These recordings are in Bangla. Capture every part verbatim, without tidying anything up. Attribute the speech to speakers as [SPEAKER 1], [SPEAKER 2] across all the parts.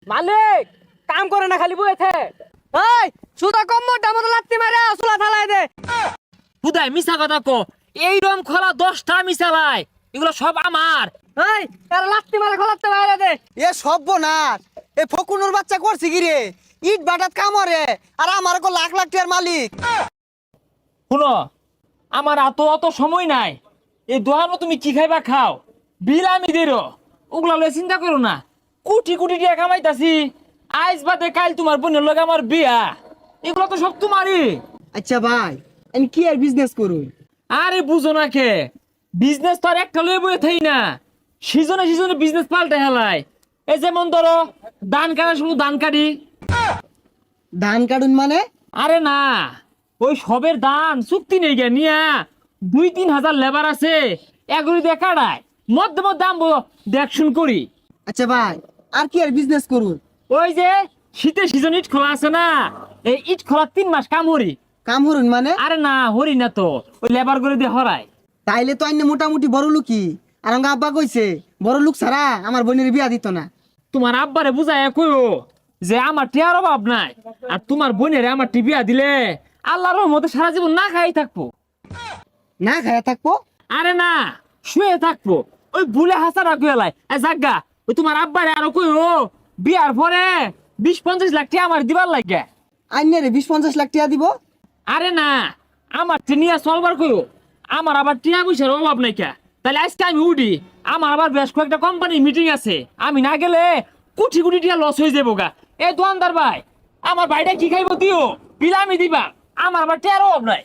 [SPEAKER 1] মালিক কাম করে না খালি বইতে। এই সুদা কম মোটা মতো লাত্তি মারে চুলা থালাই দে।
[SPEAKER 2] হুদাই মিছা কথা কো, এই রম খোলা দশটা মিশালাই, এগুলো সব আমার।
[SPEAKER 1] এই আর লাত্তি মারে খোলাতে বাইরে দে।
[SPEAKER 3] এ সর্বনাশ, এ ফকুনুর বাচ্চা করছে কি রে? ইট বাটাত কামরে আর আমার কো লাখ লাখ টাকার মালিক।
[SPEAKER 2] শুনো, আমার এত অত সময় নাই। এই দোকানও তুমি কি খাইবা খাও, বিল আমি দেরো, ওগুলা লয়ে চিন্তা করো না। কোটি কোটি টাকা কামাইতাছি, আইজ বাদে কাল তোমার বোনের লগে আমার বিয়া, এগুলো তো সব তোমারই।
[SPEAKER 3] আচ্ছা ভাই, আমি কি আর বিজনেস করুন?
[SPEAKER 2] আরে বুঝো না কে, বিজনেস তো আর একটা লয়ে বয়ে থাই না, সিজনে সিজনে বিজনেস পাল্টে হেলায়। এই যেমন ধরো ধান কাটা শুধু ধান কাটি।
[SPEAKER 3] ধান কাটুন মানে?
[SPEAKER 2] আরে না, ওই সবের ধান চুক্তি নেই গে নিয়া, দুই তিন হাজার লেবার আছে, এগুলি দিয়ে কাটায় মধ্যে মধ্যে দাম দেখশুন করি।
[SPEAKER 3] আচ্ছা ভাই, আর কি আর বিজনেস করুন?
[SPEAKER 2] ওই যে শীতের সিজন ইট খোলা আছে না, এই ইট খোলা তিন মাস কাম হরি।
[SPEAKER 3] কাম হরুন মানে?
[SPEAKER 2] আরে না হরি না তো, ওই লেবার করে দিয়ে হরায়।
[SPEAKER 3] তাইলে তো আইনে মোটামুটি বড় লোকই। আর আমার আব্বা কইছে বড় লোক ছাড়া আমার বোনের বিয়া দিত না।
[SPEAKER 2] তোমার আব্বারে বুঝায় কইও যে আমার টিয়ার অভাব নাই, আর তোমার বোনের আমার টিপিয়া দিলে আল্লাহর রহমতে সারা জীবন না খাই থাকবো।
[SPEAKER 3] না খায়া থাকবো?
[SPEAKER 2] আরে না, শুয়ে থাকবো। ওই ভুলে হাসা রাখু এলাই জাগা, ওই তোমার আব্বারে আরো কইও বিয়ার পরে বিশ পঞ্চাশ লাখ টাকা আমার দিবার লাগে।
[SPEAKER 3] আইনে রে বিশ পঞ্চাশ লাখ টাকা দিব?
[SPEAKER 2] আরে না, আমার টিনিয়া চলবার কইও, আমার আবার টিয়া পয়সার অভাব নাই কে। তাহলে আজকে আমি উঠি, আমার আবার বেশ কয়েকটা কোম্পানি মিটিং আছে, আমি না গেলে কোটি কোটি টাকা লস হয়ে যাবো গা। এ দোকানদার ভাই, আমার ভাইটা কি খাইবো দিও, বিল আমি দিবা, আমার আবার টিয়ার অভাব নাই।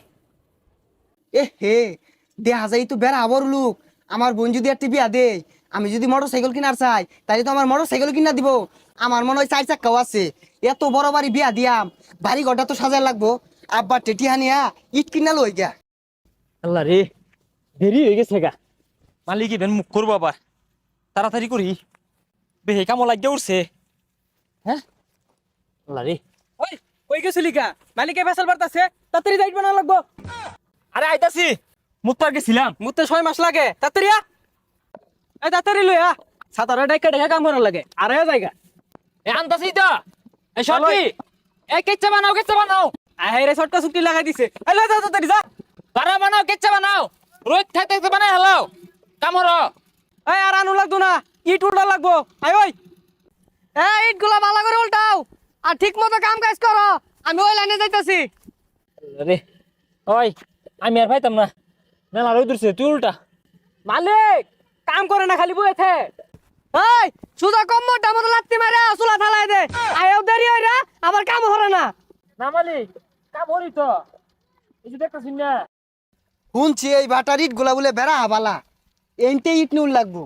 [SPEAKER 3] এ হে, দেখা যায় তো বেড়া বড় লোক। আমার বোন যদি একটা বিয়া দে, আমি যদি মোটর সাইকেল কিনার চাই, তাহলে তো আমার মোটর সাইকেল কিনা দিব। আমার মনে হয় চার চাক্কাও আছে। এত বড় বাড়ি বিয়া দিয়াম, বাড়ি ঘরটা তো সাজায় লাগবো। আব্বা টেটি হানিয়া ইট কিনা লই গা।
[SPEAKER 2] আল্লাহ রে, দেরি হয়ে গেছে গা। মালিক ইভেন মুখ করবো আবার, তাড়াতাড়ি করি, বেহে কামো লাগিয়ে উঠছে। হ্যাঁ আল্লাহ রে।
[SPEAKER 1] ওই কই গেছিলি কা? মালিকে ফেসাল বাড়তাছে, তাড়াতাড়ি যাইট বানা লাগবো।
[SPEAKER 2] আরে আইতাছি, মুত্তার গেছিলাম।
[SPEAKER 1] মুতে ছয় মাস লাগে, তাড়াতাড়ি আ। এই তাড়াতাড়ি লই আ, সাতারে ডাইকা ডাইকা কাম করার লাগে। আরে জায়গা
[SPEAKER 2] এ আনতাছি তো, এ সরকি, এ কেচ্চা বানাও, কেচ্চা বানাও।
[SPEAKER 1] আহে রে শর্টকা চুক্তি লাগাই দিছে। এই লই যা তাড়াতাড়ি যা।
[SPEAKER 2] বানা বানাও, কেচ্চা বানাও, রোজ থাকতে থাকতে বানাই হেলাও কামর।
[SPEAKER 1] এই আর আনু লাগতো না, ইট উল্টা লাগবো। আই ওই এই ইট গুলা ভালো করে উল্টাও আর ঠিক মতো কাম কাজ করো। আমি ওই লাইনে যাইতাছি।
[SPEAKER 2] রে ওই, আমি আর পাইতাম না, মেলা রোদ উঠছে, তুই উল্টা।
[SPEAKER 1] মালিক কাম করে না খালি বইতে। এই সুদা কম মোটা মতো লাত্তি মারে চুলা থালাই দে। আয়ও দেরি হই না, আবার কাম হরে না।
[SPEAKER 2] না মালিক, কাম হরি তো, এই যে দেখতেছিস না।
[SPEAKER 3] শুনছি এই বাটার ইট গুলা বলে বেড়া হাবালা, এনতে ইট নুল লাগবো।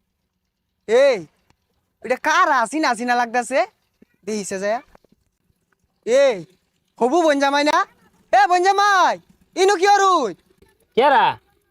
[SPEAKER 3] এই এটা কার আসিনা আসিনা লাগতেছে দেখিছে যায়। এই হবু বনজামাই না? এ বনজামাই, ইনু কি অরুই?
[SPEAKER 2] কেরা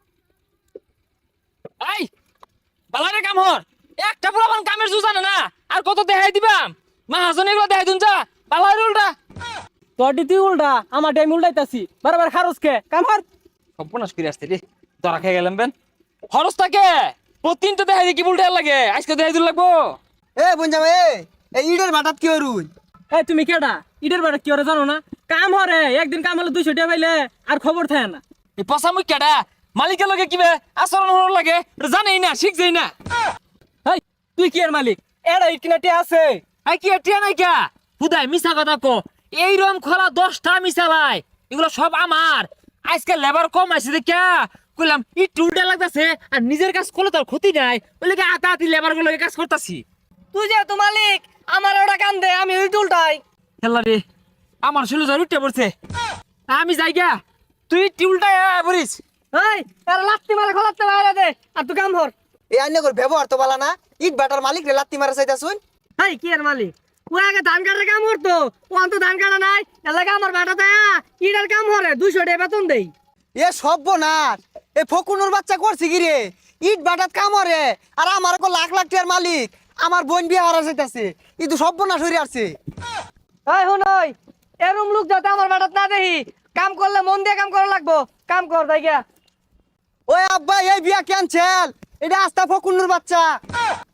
[SPEAKER 2] এই বালারে কাম হর, একটা পুরাবান কামের জু জানে না, আর কত দেখাই দিবাম। মাহাজন এগুলো দেখাই দুন যা, বালারে উল্টা।
[SPEAKER 1] তোর তুই উল্টা, আমার টাইম উল্টাইতাছি। বারবার খারস কে কাম হর।
[SPEAKER 2] সর্বনাশ করে আসতে রে, ধরা খেয়ে গেলাম বেন। খরচ থাকে প্রতিদিন তো দেখাই দি, কি উল্টা লাগে, আজকে দেখাই দিন লাগবো।
[SPEAKER 3] এ বনজামাই, এ এই ইটের বাটাত কি অরুই?
[SPEAKER 1] এই তুমি কেডা? ইটের বাড়ি কি ওরে জানো না? কাম হরে, একদিন কাম হলে দুইশো টাকা পাইলে আর খবর থাকে না।
[SPEAKER 2] এই পচা মুখ কেডা, মালিকের লগে কিবে আচরণ হওয়ার লাগে এটা জানেই না, শিখছেই না।
[SPEAKER 1] এই তুই কি এর মালিক? এরা ইট কিনা টিয়া আছে।
[SPEAKER 2] আই কি টিয়া নাই কে? হুদাই মিছা কথা কো, এই রম খোলা দশটা মিশালাই, এগুলো সব আমার। আজকে লেবার কম আছে দেখে কইলাম ইট উল্টা লাগতাছে, আর নিজের কাজ করলে তার ক্ষতি নাই, ওই লেগে আতা আতি লেবার গুলো কাজ করতাছি।
[SPEAKER 1] তুই যেহেতু মালিক, আমার ওটা কাম দে, আমি ইট উল্টাই।
[SPEAKER 2] হেল্লা রে, আমার শুলো জ্বর উঠে পড়ছে, আমি যাই গা, তুই ইট উল্টাই পড়িস।
[SPEAKER 1] এই এরা লাত্তি মারে খোলাতে বাইরে দে, আর তুই কাম হর।
[SPEAKER 3] এই আইনে করে ব্যবহার তো বালা না। ইট বাটার মালিক রে লাত্তি মারা চাইতা শুন।
[SPEAKER 1] এই কি এর মালিক? ও আগে ধান কাটার কাম করতো, ও অন্ত ধান কাটা নাই, এলাকা আমার বাটা দেয়া ইটার কাম হরে দুইশো টাকা বেতন দেই।
[SPEAKER 3] এ সর্বনাশ, এ ফকুনুর বাচ্চা করছে কি রে? ইট বাটাত কামরে আর আমার কো লাখ লাখ টাকার মালিক। আমার বোন বিয়া হারা যাইতাছে, ই তো সর্বনাশ হইরে আসছে।
[SPEAKER 1] এই হুন ওই, এরম লোক যাতে আমার বাটাত না দেখি। কাম করলে মন দিয়ে কাম করা লাগবো। কাম কর তাই গিয়া।
[SPEAKER 3] ওই আব্বা, এই বিয়া ক্যান্সেল। এটা আস্তা ফকুনুর বাচ্চা।